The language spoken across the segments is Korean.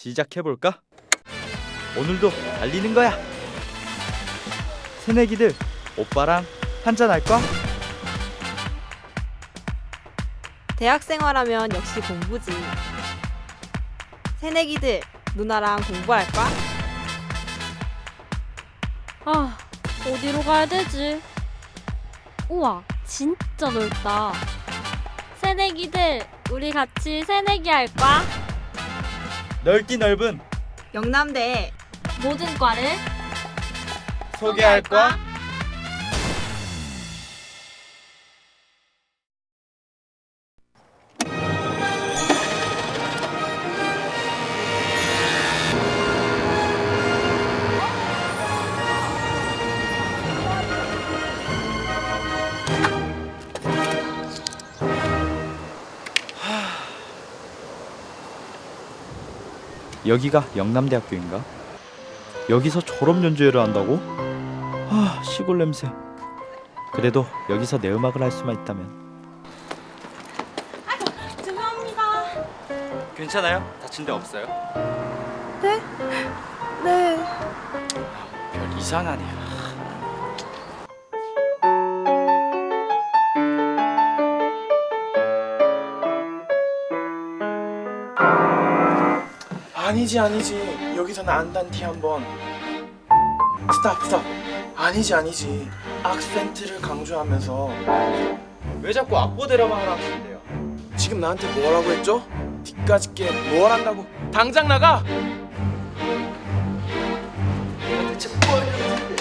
시작해볼까? 오늘도 달리는 거야. 새내기들, 오빠랑 한잔 할까? 대학 생활하면 역시 공부지. 새내기들, 누나랑 공부할까? 아, 어디로 가야 되지? 우와, 진짜 넓다. 새내기들, 우리 같이 새내기 할까? 넓디 넓은 영남대 모든 과를 소개할까? 여기가 영남대학교인가? 여기서 졸업 연주회를 한다고? 아, 시골 냄새. 그래도 여기서 내 음악을 할 수만 있다면. 죄송합니다. 괜찮아요? 다친 데 없어요? 네. 별 이상하네요. 아니지 여기서는 안단티 한번 스탑 아니지 악센트를 강조하면서 왜 자꾸 악보대로만 하라는데요? 지금 나한테 뭐라고 했죠? 뒤까짓 게 뭘 한다고 당장 나가! 내가 대체 뭘 했는데?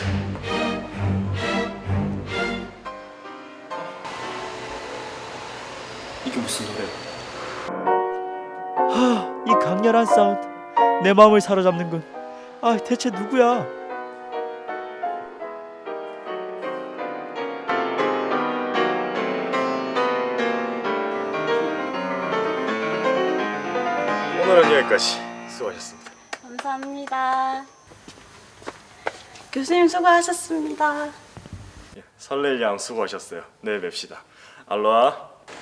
이게 무슨 노래? 이 강렬한 사운드 내 마음을 사로잡는군. 아, 대체 누구야? 오늘은 여기까지. 수고하셨습니다. 감사합니다. 교수님 수고하셨습니다. 설렐 양 수고하셨어요. 내일 뵙시다. 알로하.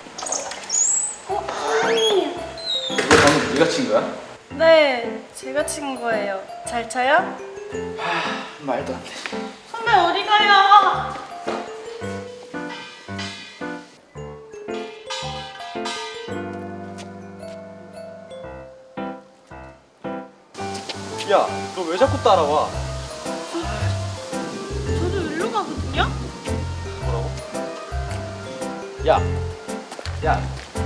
방금 네가 친 거야? 네, 제가 친 거예요. 잘 쳐요? 말도 안 돼. 선배 어디 가요? 야, 너 왜 자꾸 따라와? 저도 일로 가거든요? 뭐라고? 야, 야,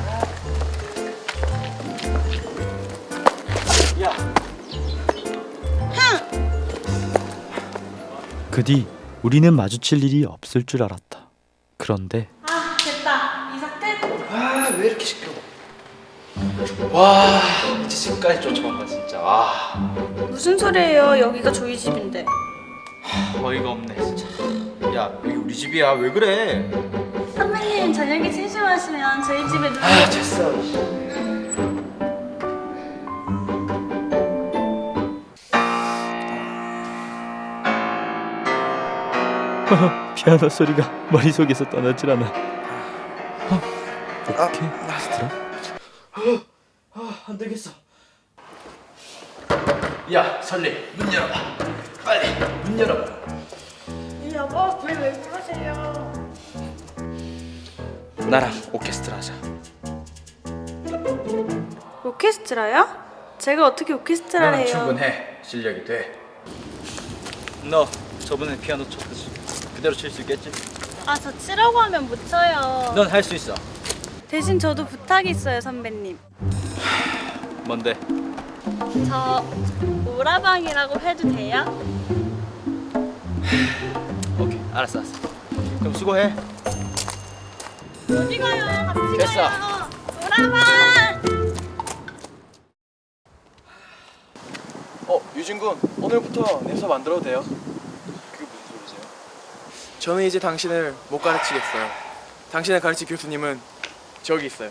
야. 그 뒤 우리는 마주칠 일이 없을 줄 알았다. 그런데 아, 됐다. 이사 끝. 아, 왜 이렇게 시끄러워? 와, 이제 집까지 쫓아온다 진짜. 와, 무슨 소리예요? 여기가 저희 집인데. 어이가 없네 진짜. 야, 여기 우리 집이야. 왜 그래? 선배님 저녁에 심심하시면 저희 집에 놀러 아, 됐어. 피아노 소리가 머릿속에서 떠나질 않아. 오케스트라? 안 되겠어. 야, 설리, 문 열어봐. 빨리 문 열어봐. 여보, 왜 그러세요? 나랑 오케스트라 하자. 오케스트라요? 제가 어떻게 오케스트라를 해요? 충분해. 실력이 돼. 너 저번에 피아노 쳤듯이 그대로 칠 수 있겠지? 아, 저 치라고 하면 못 쳐요. 넌 할 수 있어. 대신 저도 부탁이 있어요, 선배님. 뭔데? 저 오라방이라고 해도 돼요? 오케이, 알았어. 그럼 수고해. 어디 가요? 같이 됐어. 가요. 오라방! 유진군, 오늘부터 내 수업 안 들어도 돼요? 그게 무슨 소리세요? 저는 이제 당신을 못 가르치겠어요. 당신을 가르칠 교수님은 저기 있어요.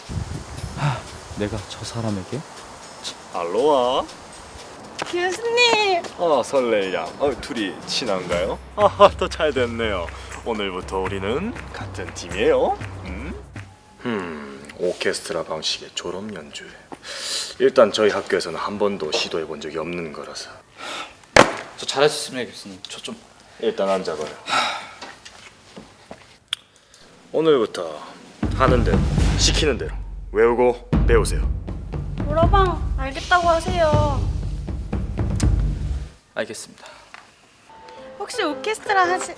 내가 저 사람에게? 알로하. 교수님! 설렐 양. 둘이 친한가요? 더 잘 됐네요. 오늘부터 우리는 같은 팀이에요. 오케스트라 방식의 졸업 연주회. 일단 저희 학교에서는 한 번도 시도해 본 적이 없는 거라서. 저 잘할 수 있습니다, 교수님. 저 좀. 일단 앉아봐요. 오늘부터 하는 대로 시키는 대로 외우고 배우세요. 노라방 알겠다고 하세요. 알겠습니다. 혹시 오케스트라 하실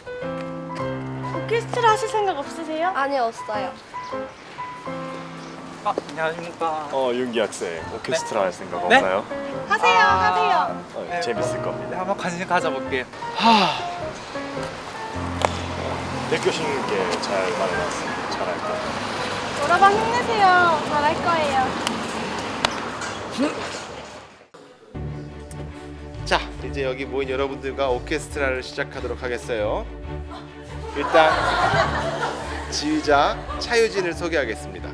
생각 없으세요? 아니, 없어요. 안녕하십니까. 윤기 학생 오케스트라 할 생각 네? 없나요? 하세요. 재밌을 겁니다. 네, 한번 관심 가져볼게요. 백 교수님께 잘 말해놨습니다. 잘할 거예요. 노라방 힘내세요. 잘할 거예요. 자, 이제 여기 모인 여러분들과 오케스트라를 시작하도록 하겠어요. 일단 지휘자 차유진을 소개하겠습니다.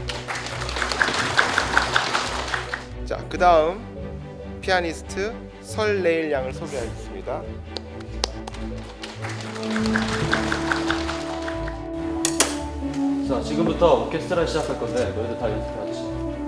자, 그 다음 피아니스트 설레일 양을 소개하겠습니다. 자, 지금부터 오케스트라 시작할 건데 너희들 다 연습해야지.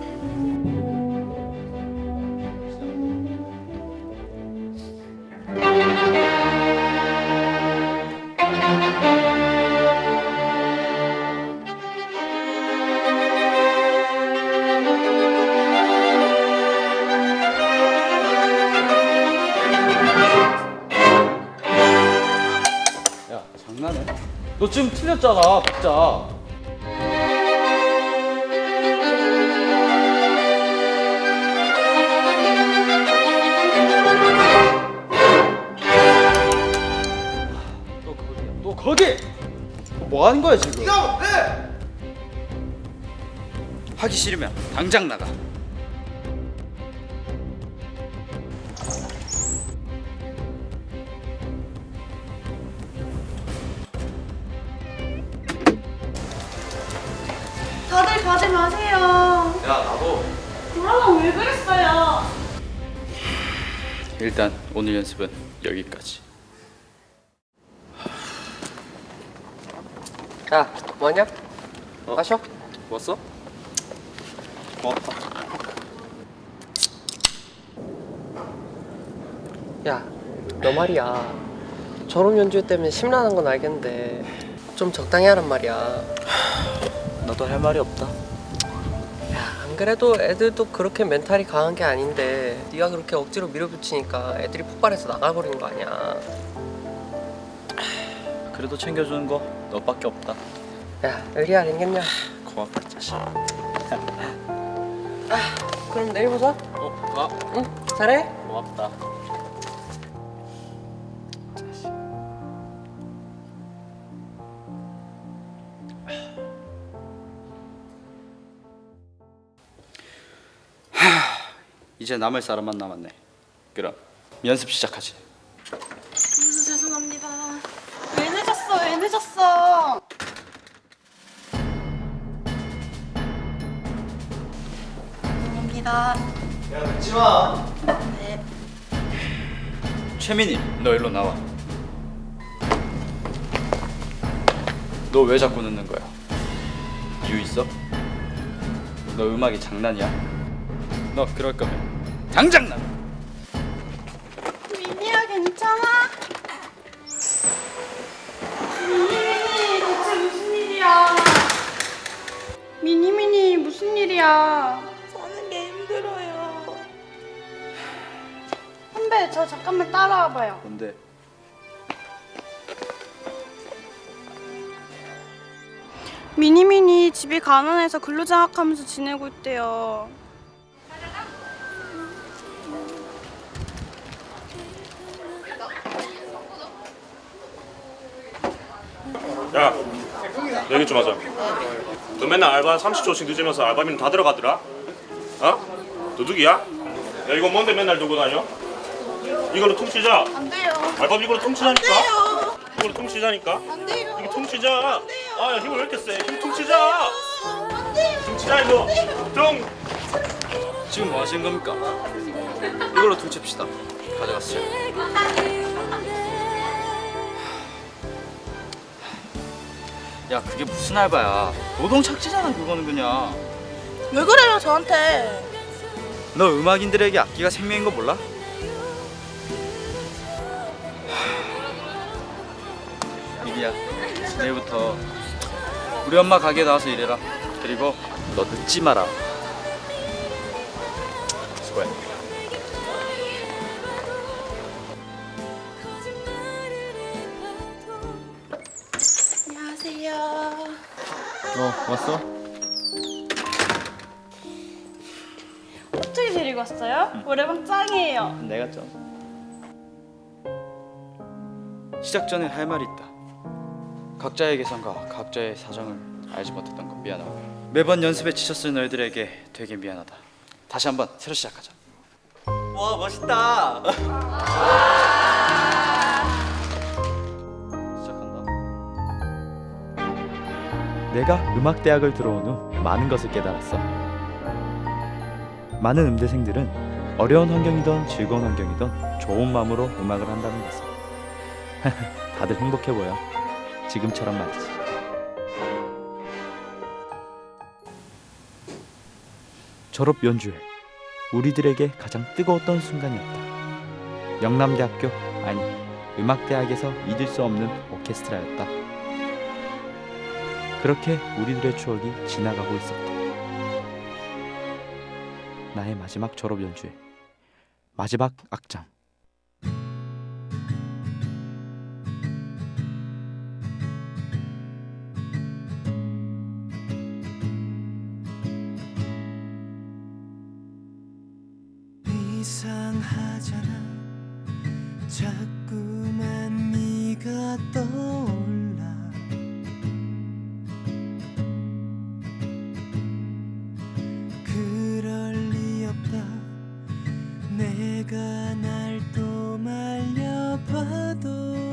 야, 장난해? 너 지금 틀렸잖아, 박자. 너 거기! 뭐 하는 거야 지금? 이거 왜? 하기 싫으면 당장 나가. 다들 가지 마세요. 야, 나도. 노라방 왜 그랬어요? 일단 오늘 연습은 여기까지. 야, 뭐냐? 마셔? 왔어? 고맙다. 야, 너 말이야. 졸업 연주 때문에 심란한 건 알겠는데 좀 적당히 하란 말이야. 나도 할 말이 없다. 야, 안 그래도 애들도 그렇게 멘탈이 강한 게 아닌데 네가 그렇게 억지로 밀어붙이니까 애들이 폭발해서 나가버리는 거 아니야. 그래도 챙겨주는 거 너밖에 없다. 야, 의리 아니겠냐? 고맙다, 자식. 그럼 내일 보자. 응, 잘해. 고맙다. 이제 남을 사람만 남았네. 그럼 연습 시작하지. 죄송합니다. 왜 늦었어? 왜 늦었어? 죄송합니다. 야, 늦지 마. 최민희, 너 일로 나와. 너 왜 자꾸 늦는 거야? 이유 있어? 너 음악이 장난이야? 너 그럴 거면 당장 나가. 민희야, 괜찮아? 민희, 대체 무슨 일이야? 민희, 무슨 일이야? 사는 게 힘들어요. 선배, 저 잠깐만 따라와봐요. 뭔데? 미니미니 집이 가난해서 근로장학하면서 지내고 있대요. 야, 얘기 좀 하자. 너 맨날 알바 30초씩 늦으면서 알바비는 다 들어가더라? 어? 도둑이야? 야, 이거 뭔데 맨날 들고 다녀? 이걸로 퉁치자. 안 돼요. 알바비 이걸로 퉁치자니까. 안 돼요. 이걸로 퉁치자니까. 안 돼요. 이거 퉁치자. 아, 야, 힘을 왜 이렇게 세? 힘 퉁치자. 안 돼요. 퉁치자 이거. 퉁. 지금 뭐 하시는 겁니까? 이걸로 퉁칩시다. 가져갔어요. 야 그게 무슨 알바야? 노동 착취잖아 그거는 그냥. 왜 그래요 저한테? 너 음악인들에게 악기가 생명인 거 몰라? 이리야 내일부터 우리 엄마 가게에 나와서 일해라. 그리고 너 늦지 마라. 수고해. 안녕하세요. 왔어? 어떻게 데리고 왔어요? 노래방 짱이에요. 내가 좀 시작 전에 할 말이 있다. 각자의 개성과 각자의 사정을 알지 못했던 건 미안하고 매번 연습에 지쳤을 너희들에게 되게 미안하다. 다시 한번 새로 시작하자. 와 멋있다. 시작한다. 내가 음악대학을 들어온 후 많은 것을 깨달았어. 많은 음대생들은 어려운 환경이든 즐거운 환경이든 좋은 마음으로 음악을 한다는 것을. 다들 행복해 보여. 지금처럼 말이지. 졸업 연주회, 우리들에게 가장 뜨거웠던 순간이었다. 영남대학교, 아니 음악대학에서 잊을 수 없는 오케스트라였다. 그렇게 우리들의 추억이 지나가고 있었다. 나의 마지막 졸업 연주회, 마지막 악장. 이상하잖아 자꾸만 네가 떠올라 그럴 리 없다 내가 날 또 말려봐도